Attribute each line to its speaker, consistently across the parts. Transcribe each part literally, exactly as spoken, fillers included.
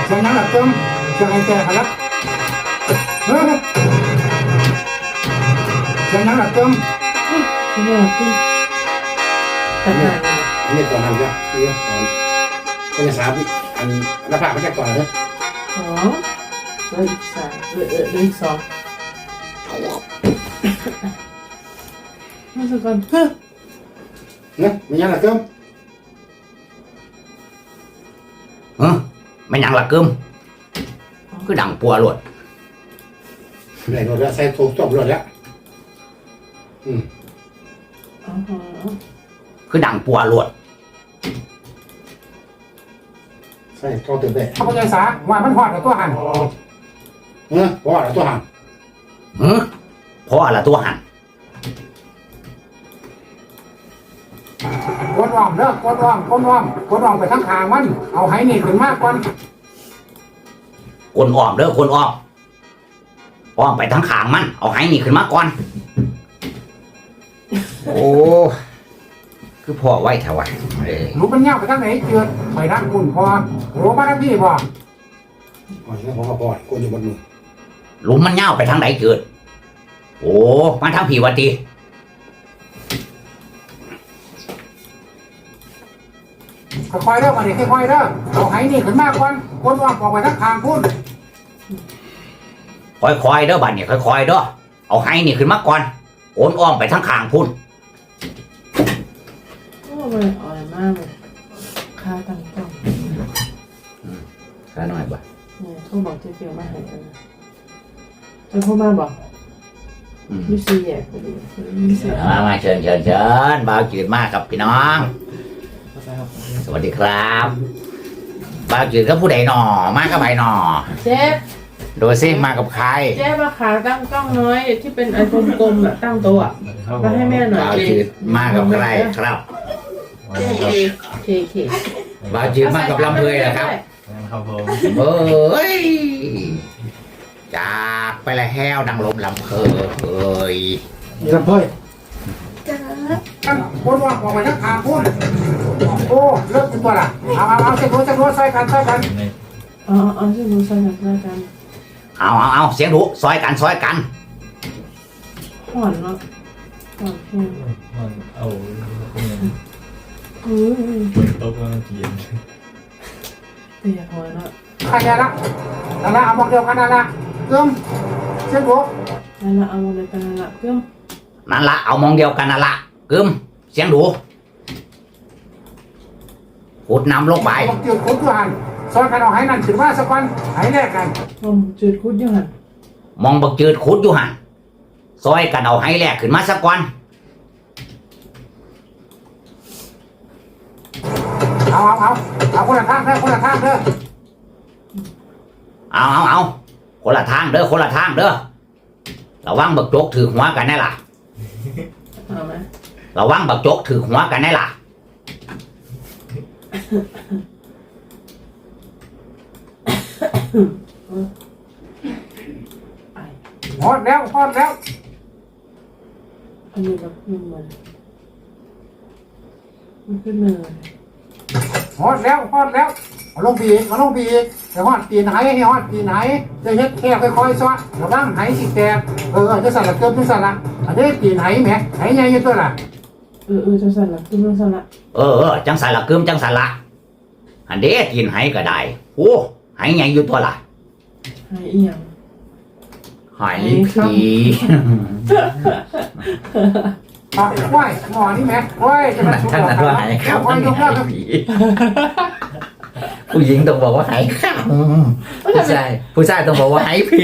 Speaker 1: เสียงนั้นหลับเติมเสียงไอ้แก่ขลับเฮ้ยเสียงนั้นหลับเติม
Speaker 2: เสียงนั้นหลับเติมตัดหน้า
Speaker 3: อันนี้ก่อนทำจ้ะนี่ก่อนเป็นสามอันหน้าผากไม่ใช่ก่อนเลย
Speaker 2: สองแล้วอีกสามเออเอออีกสองมาสักก่อนเฮ้ย
Speaker 3: เนี่ยไม่ยังหลับเติม
Speaker 4: เออไม่ยังหลักกึมคือดังปัวหลด
Speaker 3: ไหนหมดแล้วใส่ถูกจบหมดแล้วอืม
Speaker 4: คือดังปัวหลด
Speaker 3: ใส่ทอตื่นเต้น
Speaker 1: พระพุทธศาสนาว่ามันหอดกับตัวหัน
Speaker 3: เออเพราะอะไรตัวหัน
Speaker 4: เออเพราะอะไรตัวหัน
Speaker 1: กดอ่อมเลิกกดอ่อมกดอ่อมกดอ่อมไปทั้งทางมันเอาให้นี่ขึ้นมากก่อน
Speaker 4: คนอ้อมเด้อคนอ้อมอ้อมไปทั้งขางมันเอาให้นี่ขึ้นมาก่อนโอ้คือพ่อไว้แถวะ
Speaker 1: รู้มันเงาไปทางไหนเกิดไปทางคุณพอรู้มาทางพี่พอ
Speaker 3: อ๋อใช่ผมก็พอโกนอยู่บนมือ
Speaker 4: หลุมมันเงาไปทางไหนเกิดโอ้มาทางผีวัตี
Speaker 1: ค่อยๆเด้อมาดิค่อยๆเด้อเอาให้นี่ขึ้นมากก่อนคนอ่อมออกไปทั้งทางพุ่น
Speaker 4: ค่อยๆเด้อบัดเนี่ยค่อยๆเด้อเอาให้นี่ขึ้นมาก่อนโอนอ้อมไปทั้งขางพุ่น
Speaker 2: โอ้มันอ่อนมากเลยค่าตั้งกล้อง
Speaker 4: ค่าหน่อยบ่
Speaker 2: เนี่ยโทรบอกเจ๊เปียวมาให้กันจะโทรมาบอกมิสซี่แย่พอดีมิสซี่
Speaker 4: มามาเชิญเชิญเชิญบ่าวจืดมากกับพี่น้องสวัสดีครับบ่าวจืดก็ผู้ใดหน่อมากกับใบหน่อ
Speaker 2: เจ๊
Speaker 4: ดูสิมากับใคร
Speaker 2: เจ๊มาขาตั้งกล้องน้อยที่เป็นไอโฟนกลมอะตั้งโต๊ะมาให้แม่หน่อย
Speaker 4: บ่าวจืดมากับใครครับ
Speaker 2: เจ๊เคเค
Speaker 4: บ่าวจืดมากับลำเพยนะครับ
Speaker 5: ครับผม
Speaker 4: เอ้ยจากไปละแห้วดังลมลำเพยเอ้ย
Speaker 3: ลำเพย
Speaker 1: คนอ่อมออกไปทั้งทางพุ่นโอ้เลิกเป็นตัวละเอาเอาเอาเส้นโน้ตเส้นโน้ตใส่กันใส่กัน
Speaker 2: อ๋อเอาเส้นโน้ตใส่กันใส่กัน
Speaker 4: เอาเอาเอาเสียงดุซอยกันซอยกัน
Speaker 2: ห่อนเนาะห่อนเพียง
Speaker 5: ห่อนเอา
Speaker 2: อืม
Speaker 5: ตกแล้วเย็น
Speaker 2: เตียห่อนเนาะ
Speaker 1: ใครละนั่นละเอาบอกเดียวกันนั่นละเติมเส้นโน้ต
Speaker 2: นั่นละเอาอะไรกันนั่นละเติม
Speaker 4: นั่นละเอามองเดียวกันนั่นละกึมเสียงดุขุดน้ำลงไป
Speaker 1: เกี่ยวขุดอยู่หันซอยกันเอาให้นั่นถือว่าสักวันให้แลกกัน
Speaker 2: มองจืดขุดอยู่หัน
Speaker 4: มองบักจืดขุดอยู่หันซอยกันเอาให้แลกขึ้นมาสักวัน
Speaker 1: เอาเอาเอาเอาคนละทางเด้อคนละทางเด้อ
Speaker 4: เอาเอาเอาคนละทางเด้อคนละทางเด้อระวังบักโจกถือหัวกันแน่ล่ะ
Speaker 2: เอาไหม
Speaker 4: ระวังบักโจกถือหัวกันแน่ล่ะ
Speaker 1: ฮอดแล้วฮอดแล้ว
Speaker 2: อันนี้แบบมันมันมันขึ้นเนิน
Speaker 1: ฮอดแล้วฮอดแล้วเอาลงปีกเอาลงปีกแต่ฮอดตีนไหให้ฮอดตีนไหจะเฮ็ดแค่ค่อยๆซ้อระวังไหสิแตกเออจะสั่นละเกินจะสั่นละอันนี้ตีนไหแหมไหใหญ่อยู่ตัวละ
Speaker 2: เออเออจังสั่นละขึ้นจังสั่นละ
Speaker 4: เออเออจังสั่นละกึมจังสั่นละอันเด้ตีนไหก็ได้โอ้ไหใหญ่อยู่ตัวละ
Speaker 2: ไหเอียง
Speaker 4: ไหผี
Speaker 1: อ่ะว่ายหมอนี่แหมว่ายจะมาชุบหลอกกันแล้วว่ายยกเลิกผี
Speaker 4: ผู้หญิงต้องบอกว่าไหข้าวผู้ชายผู้ชายต้องบอกว่าไหผี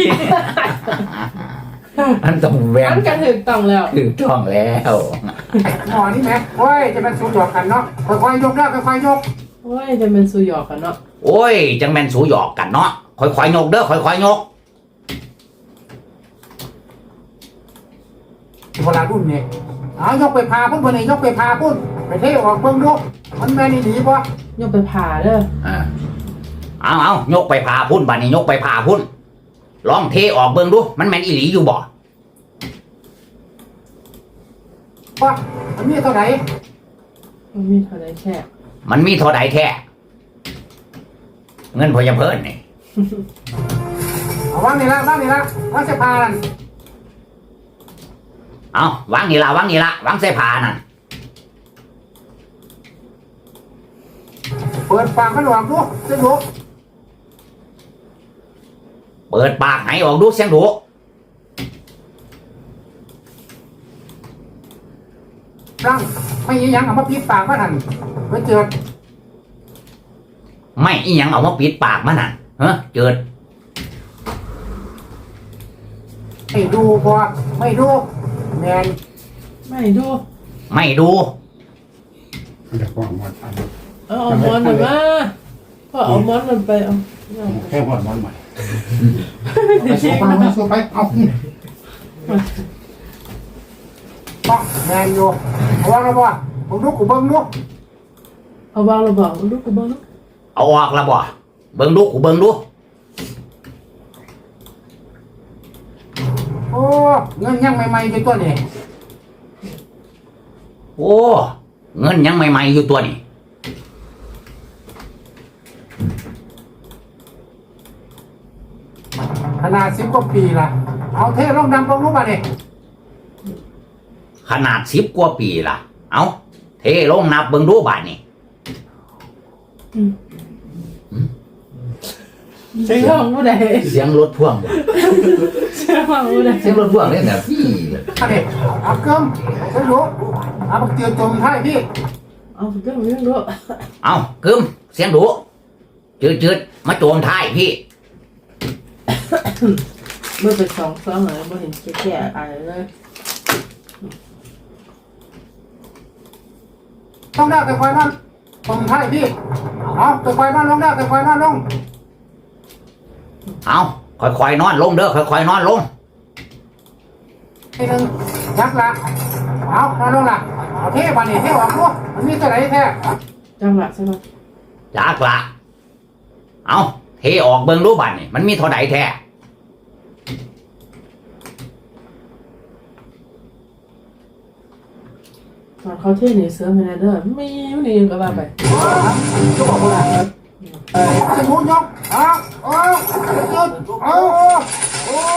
Speaker 4: อันต้องแหวน
Speaker 2: อันกันถึงต้องแล้ว
Speaker 4: ถึงต้องแล้ว
Speaker 1: หมอนี่แหมว่ายจะมาชุบหลอกกันเนาะค่อยๆยกเลิกค่อยๆยก
Speaker 2: โอ้ยจะเป็นสูหยอกกันเนาะ
Speaker 4: โอ้ยจังแม่นสูหยอกกันเนาะค่อยๆยกเด้อค่อยๆยก
Speaker 1: เวลารุ่นนี่เอายกไปพาพุ่นคนนี้ยกไปพาพุ่นไปเทออกเบิ่งดูมันแม่นี่ดีป่ะ
Speaker 2: ยกไปพาเด้อ
Speaker 4: อ่าเอาเอายกไปพาพุ่นบัดนี้ยกไปพาพุ่นลองเทออกเบิ่งดูมันแม่นอีหลีอยู่บ่
Speaker 1: ป่ะมันมีเท่าไหร่
Speaker 2: มันมีเท่าไหร่แค่
Speaker 4: มันมีเท่าใดแท้
Speaker 2: ป
Speaker 4: เงินพอยาเพิ่นนี่
Speaker 1: เอาวางนี่ละวางนี่ละวางเสื้อผ้านั่น
Speaker 4: เอาวางนี่ละวางนี่ละวางเสื้อผ้านั่น
Speaker 1: เปิดปากมันหลวงดูเส้นดู
Speaker 4: เปิดปากให้ออกดูเสียงดุ
Speaker 1: ร่างไม่ยี่ยังเอามาปิดปากมันหันไว้เจิด
Speaker 4: ไม่อีหยังเอามาปิดปากมันน่ะเฮ้อเจิด
Speaker 1: ไม่ดูพอไม่ดูแมน
Speaker 2: ไม่ดู
Speaker 4: ไม่ดู
Speaker 3: มันจะกว้างหมดอัน
Speaker 2: เอาเอามอนหน่อยมาพ่อเอามอนมันไปเอาเอา
Speaker 3: แค่หมดมันใหม่
Speaker 1: ไปสู้ไปไปสู้ไปเอาต้องแมนอยู่เอาวางแล้วบ่ผมดูกูเบิ้งดู
Speaker 2: เอาวางเราบอกลูกกูบอกลูก
Speaker 4: เอาออกแล้วบ่เบิ่งดูกูเบิ่งดู
Speaker 1: โอ้เงินยังใหม่ๆอยู่ตัวนี้
Speaker 4: โอ้เงินยังใหม่ๆอยู่ตัวนี่
Speaker 1: ขนาดสิบกว่าปีละเอาเทลงดำลงรู้ป่ะเนี่ย
Speaker 4: ขนาดสิบกว่าปีล่ะเอาเทลงนับเบิ่งดูบาดนี่
Speaker 2: เสียงของผู้ใด
Speaker 4: เสียงรถพ่วงบ่
Speaker 2: เสียงของผู้ใด
Speaker 4: เสียงรถพ่วงเนี่ยแบบพี่
Speaker 1: อันนี้เอาเกิมเส้นดูเอาบักเตียวจมท้ายพี่
Speaker 2: เอาเรื่องเรื่องลูก
Speaker 4: เอากึมเสียงดุจืดๆมาโจมท้ายพี่
Speaker 2: เมื่อไปสองสองเลยไม่เห็นแก่ๆอะไรเลย
Speaker 1: ต้องได้แต่ควายมันจมท้ายพี่เอาแต่ควายมันลงได้แต่ควายมันลง
Speaker 4: เอาค่อยๆนอนลงเด้อค่อยๆนอนลง
Speaker 1: ทีหนึ่งยักษ์ละเอานอนลงละเอาเทบานี่เทออกดูมันมีตัวไหนแท้
Speaker 2: จังหวะใช่ไหม
Speaker 4: จากละเอาเทออกเบิ่งดูบาดนี่มันมีเท่าใดแท้
Speaker 2: ตอนเขาเที่ยวหนีเสือไม่ได้เด้อไม่ไม่หนีก็ว่าไป
Speaker 1: ก็บอกว่าจะมุนยกเอาเอาจุดเอาโอ้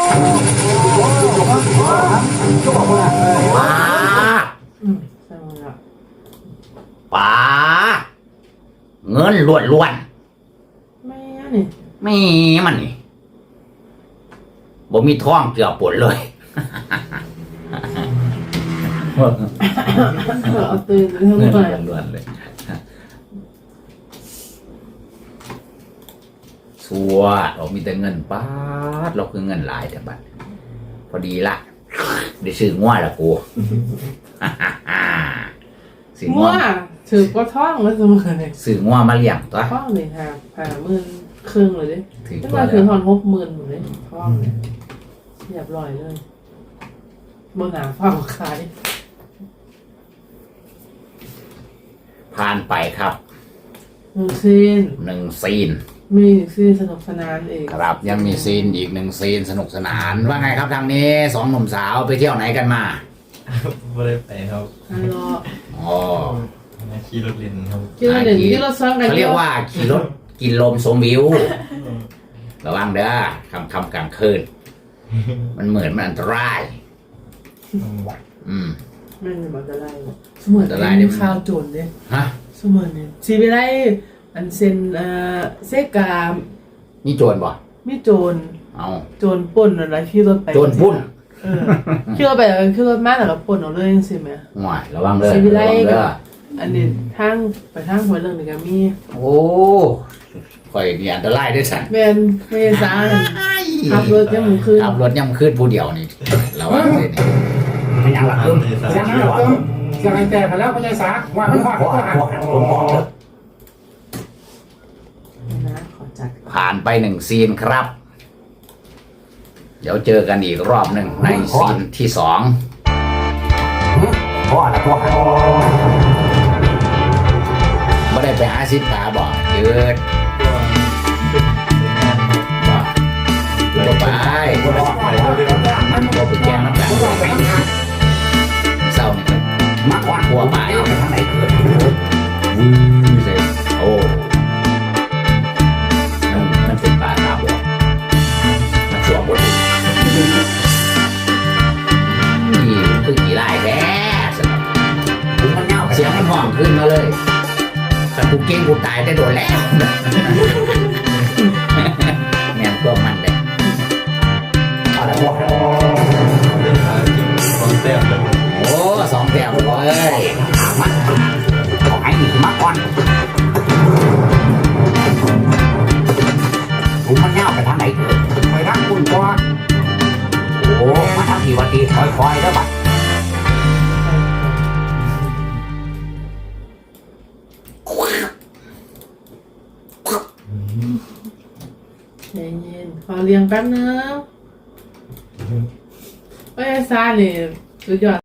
Speaker 1: ก็บอกว่า
Speaker 4: ป้า
Speaker 2: อืมใช่ไหมล่ะ
Speaker 4: ป้าเงินล้วนล้วน
Speaker 2: ไม่นี่
Speaker 4: ๆไม่มันนี่บ่มีท้องเกือบปวดเลย
Speaker 2: เอาตื่นเรื่อง
Speaker 4: เงิน
Speaker 2: ไป
Speaker 4: ล้วนๆเลยชัวเรามีแต่เงินป้าดเราคือเงินหลายแต่บัดพอดีละได้ซื้อง่วละกู ซื้อ
Speaker 2: มั่
Speaker 4: ง่
Speaker 2: ว
Speaker 4: ว
Speaker 2: ถือก็ท่องแล้วเสมอเลย
Speaker 4: ซื้อง่วมาเลี้ยงตัว
Speaker 2: ท่องเลยค่ะผ่าหมื่นครึ่งเลยดิ
Speaker 4: ถือ
Speaker 2: ตั้ง
Speaker 4: ตัว
Speaker 2: แต่
Speaker 4: แล้
Speaker 2: ถือ
Speaker 4: ว
Speaker 2: ทอนหกหมื่นหมดเลยท่องเลยเรียบร้อยเลยบนหนาเฝ้าขาย
Speaker 4: ผ่านไปครับ
Speaker 2: หนึ่งซีน
Speaker 4: หนึ่งซีน
Speaker 2: มีซีนสนุกสนานเอง
Speaker 4: ครับยังมีซีนอีกหนึ่งซีนสนุกสนานว่าไงครับทางนี้สองหนุ่มสาวไปเที่ยวไหนกันมา
Speaker 5: ไม่ได้ไปครับ
Speaker 2: ฮัลโหล
Speaker 4: อ๋อ
Speaker 5: มาขี่รถเล่นครับ
Speaker 2: กินรถเด่นกินรถซ้อนกัน
Speaker 4: เขาเรียกว่าขี่รถกินลมชมวิวระวังเด้อคำคำกลางคืนมันเหมือนมันอันตราย อืม
Speaker 2: ไม่เป็นแบบอะไรเสมือน
Speaker 4: อันตราย
Speaker 2: เป็
Speaker 4: ดิ
Speaker 2: นข่าวโจรเนี่ย
Speaker 4: ฮะ
Speaker 2: เสมือนเนี่ยสีไปได้อันเซนเอ่อเซกา
Speaker 4: นี่โจรบ่
Speaker 2: มีโจร
Speaker 4: เอา
Speaker 2: โจรป่นอะไรขี่รถไป
Speaker 4: โจรปุ้น
Speaker 2: เออขี่รถไปแล้วขี่รถมาแล้วก็ป่นเอาเลยจังซี่แหม
Speaker 4: หน่อยระวังเด้อ
Speaker 2: สีไประ ไล
Speaker 4: วัง
Speaker 2: กั
Speaker 4: เด้
Speaker 2: บ
Speaker 4: อ
Speaker 2: อันนี้ทางไปทางหัวเรื่องนี่ก็มี
Speaker 4: โอ้ข่อยนี่อันตรายด้วยสัน
Speaker 2: แม่นไม่ใช่สาขับรถยังมือคืน
Speaker 4: ขับรถย่ำคืนผู้เดียวนี่ระวังเลยนี่ไม่ยังหลัก
Speaker 5: ค
Speaker 4: ขึ้น
Speaker 1: เสียงนั้นเกิมเสียงไอ้แต่ไปแล้วพญายสาว่ามันว่า
Speaker 4: ขอ
Speaker 1: ก็หัก
Speaker 4: ขอผมขอเด้อ
Speaker 2: นะขอจัด
Speaker 4: ผ่านไปหนึ่งซีนครับ เดี๋ยวเจอกันอีกรอบหนึ่งในซีนที่สอง
Speaker 1: พ่อนะพ่อ
Speaker 4: ไม่ได้ไปหาซิปตาบ่เยืด
Speaker 5: ตัวเป็นงาน
Speaker 4: บ่ตัวไป
Speaker 5: ไปเรื่อย
Speaker 4: บ่ไปแกงน้ำตาลเศร้านี่ครับมักว่าหัวไปทางไหนเกิดวื้อเลยโอ้นขึ้นมาเลยถ้ากูเก่งกูตายได้โดนแล้วแม่งก็มันเลยเอาละบอก
Speaker 5: เดินทางจริงสองแต้มเลย
Speaker 4: โอ้สองแต้มเลยมาขอให้หนีมาก่อนผมมันเน่าไปทางไหนเถอะ
Speaker 1: ไปทางคุณก่อน
Speaker 4: โอ้มาทางทีวันทีคอยๆแล้วบัด
Speaker 2: ใจเย็นขอเลี้ยงแป๊บนึงเอ้ยซาเนี่ยสุดยอด